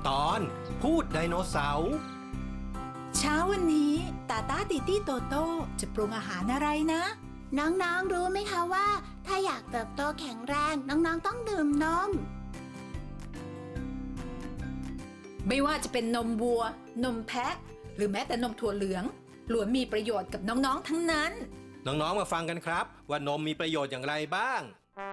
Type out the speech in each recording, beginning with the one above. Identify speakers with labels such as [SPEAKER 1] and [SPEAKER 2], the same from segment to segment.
[SPEAKER 1] ตอนพูดไดโนเสาร์
[SPEAKER 2] เช้าวันนี้ตาตาติตี้โตโต้จะปรุงอาหารอะไรนะ
[SPEAKER 3] น้องๆรู้ไหมคะว่าถ้าอยากเติบโตแข็งแรงน้องๆต้องดื่มนม
[SPEAKER 2] ไม่ว่าจะเป็นนมวัว นมแพะ หรือแม้แต่นมถั่วเหลืองล้วนมีประโยชน์กับน้องๆทั้งนั้น
[SPEAKER 1] น้องๆมาฟังกันครับว่านมมีประโยชน์อย่างไรบ้าง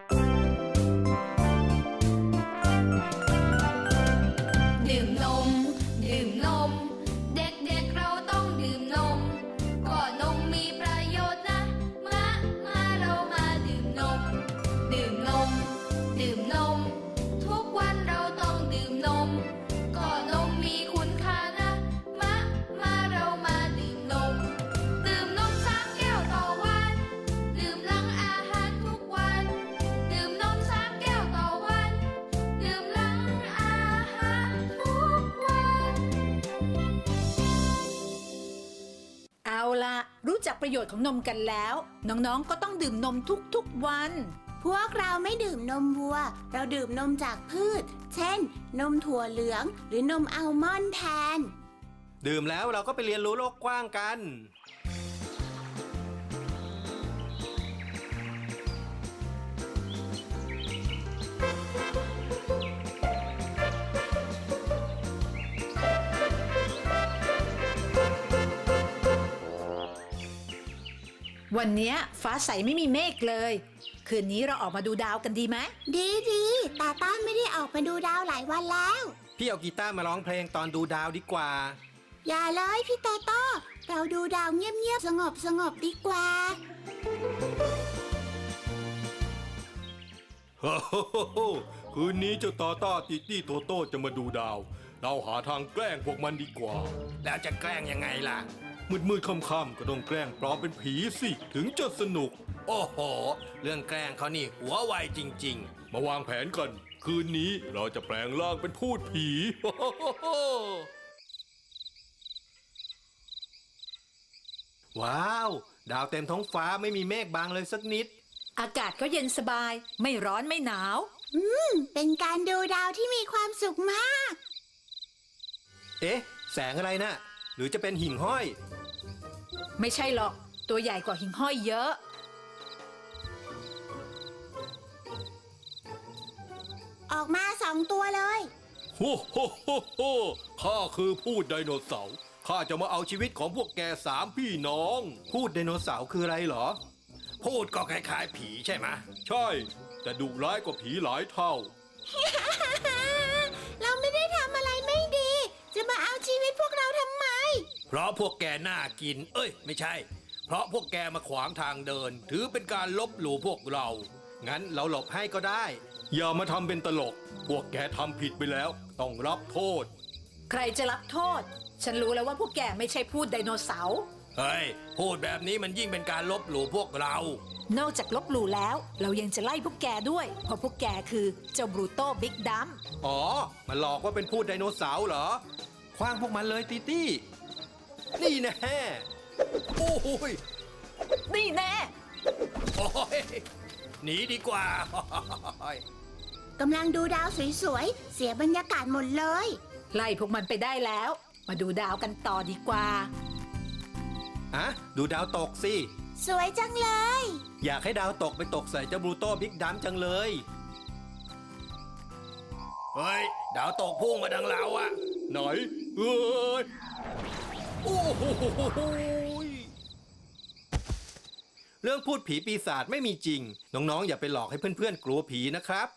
[SPEAKER 4] ดื่มนมดื่มนมเด็กๆเราต้องดื่มนมก็นมมีประโยชน์นะมาเรามาดื่มนมดื่มนมดื่มนมทุกวันเราต้องดื่มนมก็นมมีคุณค่านะมาเรามาดื่มนมดื่มนม3 แก้วต่อวันดื่มหลังอาหารทุกวันดื่มนม3 แก้วต่อวันดื่มหลังอาหารทุกวัน
[SPEAKER 2] เอาล่ะรู้จักประโยชน์ของนมกันแล้วน้องๆก็ต้องดื่มนมทุกๆวัน
[SPEAKER 3] พวกเราไม่ดื่มนมวัวเราดื่มนมจากพืชเช่นนมถั่วเหลืองหรือนมอัลมอนด์แทน
[SPEAKER 1] ดื่มแล้วเราก็ไปเรียนรู้โลกกว้างกัน
[SPEAKER 2] วันนี้ฟ้าใสไม่มีเมฆเลยคืนนี้เราออกมาดูดาวกันดีไหม
[SPEAKER 3] ดีตาต้าไม่ได้ออกมาดูดาวหลายวันแล้ว
[SPEAKER 1] พี่เอากีตาร์มาร้องเพลงตอนดูดาวดีกว่า
[SPEAKER 3] อย่าเลยพี่โตโต้เราดูดาวเงียบๆสงบดีกว่า
[SPEAKER 5] ฮ่าฮ่าฮ่าคืนนี้เจ้าตาต้าติตี้โตโต้จะมาดูดาวเราหาทางแกล้งพวกมันดีกว่า
[SPEAKER 1] แล้วจะแกล้งยังไงล่ะ
[SPEAKER 5] มืดค่ำๆก็ต้องแกล้งปลอมเป็นผีสิถึงจะสนุก
[SPEAKER 1] โอ้โหเรื่องแกล้งเขานี่หัวไวจริง
[SPEAKER 5] มาวางแผนกันคืนนี้เราจะแปลงร่างเป็นพูดผี
[SPEAKER 1] ว้าวดาวเต็มท้องฟ้าไม่มีเมฆบางเลยสักนิด
[SPEAKER 2] อากาศก็เย็นสบายไม่ร้อนไม่หนาว
[SPEAKER 3] เป็นการดูดาวที่มีความสุขมาก
[SPEAKER 1] เอ๊ะแสงอะไรนะหรือจะเป็นหิ่งห้อย
[SPEAKER 2] ไม่ใช่หรอกตัวใหญ่กว่าหิ่งห้อยเยอะ
[SPEAKER 3] ออกมา2 ตัวเลย
[SPEAKER 5] โฮโฮโฮโฮข้าคือพูดไดโนเสาร์ข้าจะมาเอาชีวิตของพวกแก3 พี่น้อง
[SPEAKER 1] พูดไดโนเสาร์คืออะไรเหรอพูดก็คล้ายๆผีใช่ไหม
[SPEAKER 5] ใช่แต่ดุร้ายกว่าผีหลายเท่า
[SPEAKER 3] เราไม่ได้ทำอะไรไม่ดีจะมาเอาชีวิตพวกเราทำไม
[SPEAKER 1] เพราะพวกแกน่ากินไม่ใช่เพราะพวกแกมาขวางทางเดินถือเป็นการลบหลู่พวกเรางั้นเราหลบให้ก็ได้
[SPEAKER 5] อย่ามาทำเป็นตลกพวกแกทำผิดไปแล้วต้องรับโทษ
[SPEAKER 2] ใครจะรับโทษฉันรู้แล้วว่าพวกแกไม่ใช่พูดไดโนเสาร์
[SPEAKER 1] เฮ้ยพูดแบบนี้มันยิ่งเป็นการลบหลู่พวกเรา
[SPEAKER 2] นอกจากลบหลู่แล้วเรายังจะไล่พวกแกด้วยเพราะพวกแกคือเจ้าบรูโต้บิ๊กดัม
[SPEAKER 1] อ๋อมันหลอกว่าเป็นพูดไดโนเสาร์เหรอคว้างพวกมันเลยตีตี้นี่แน่โอ้ย
[SPEAKER 2] นี่แน่
[SPEAKER 1] โอ้ยหนีดีกว่าก
[SPEAKER 3] ำลังดูดาวสวยๆเสียบรรยากาศหมดเลย
[SPEAKER 2] ไล่พวกมันไปได้แล้วมาดูดาวกันต่อดีกว่า
[SPEAKER 1] ดูดาวตกสิ
[SPEAKER 3] สวยจังเลย
[SPEAKER 1] อยากให้ดาวตกไปตกใส่เจ้าบลูโต้บิ๊กดัมจังเลยเฮ้ยดาวตกพุ่งมาดังเราอะ
[SPEAKER 5] ไหนเอ้ย
[SPEAKER 1] โอ้โหเรื่องพูดผีปีศาจไม่มีจริงน้องๆอย่าไปหลอกให้เพื่อนๆกลัวผีนะครับ